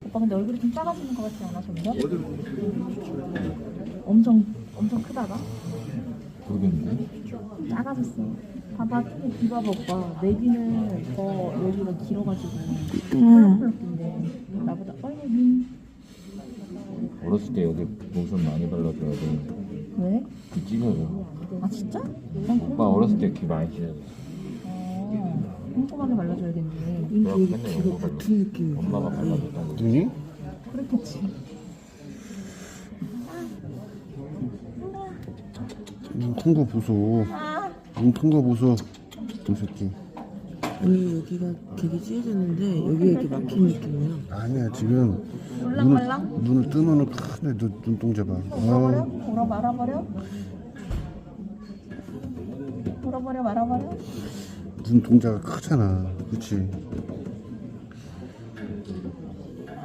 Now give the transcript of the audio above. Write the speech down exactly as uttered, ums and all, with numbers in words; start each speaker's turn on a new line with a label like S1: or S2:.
S1: 오빠 근데 얼굴이 좀 작아지는 것 같지 않아 점점? 엄청 엄청 크다가
S2: 모르겠는데?
S1: 작아졌어. 봐봐 이봐 오빠 내비는 더 여기가 길어가지고
S3: 응.
S1: 펄럭펄럭인데 나보다 얼굴이
S2: 어렸을 때 여기 로션 많이 발라줘야 돼.
S1: 왜?
S2: 귀 찢어져.
S1: 아 진짜? 난
S2: 오빠 어렸을 때 귀 많이 찢어졌어.
S1: 어, 꼼꼼하게 발라줘야겠네.
S2: 그래갖고 맨날
S3: 귀가
S2: 엄마 발라.
S3: 붙은 느낌이.
S2: 엄마가 발라줬다고.
S3: 눈이?
S1: 그렇겠지.
S3: 눈 큰 거 보소.
S1: 아,
S3: 눈 큰 거 보소. 이 새끼. 아니 여기가 되게 찢어졌는데 여기가 이렇게 막힌 느낌이야. 아니야 지금
S1: 올랑말랑?
S3: 눈을, 눈을 뜨면은 큰데 눈, 눈동자 봐.
S1: 울어버려?
S3: 아,
S1: 울어 말아버려? 울어버려 말아버려?
S3: 눈동자가 크잖아. 그치?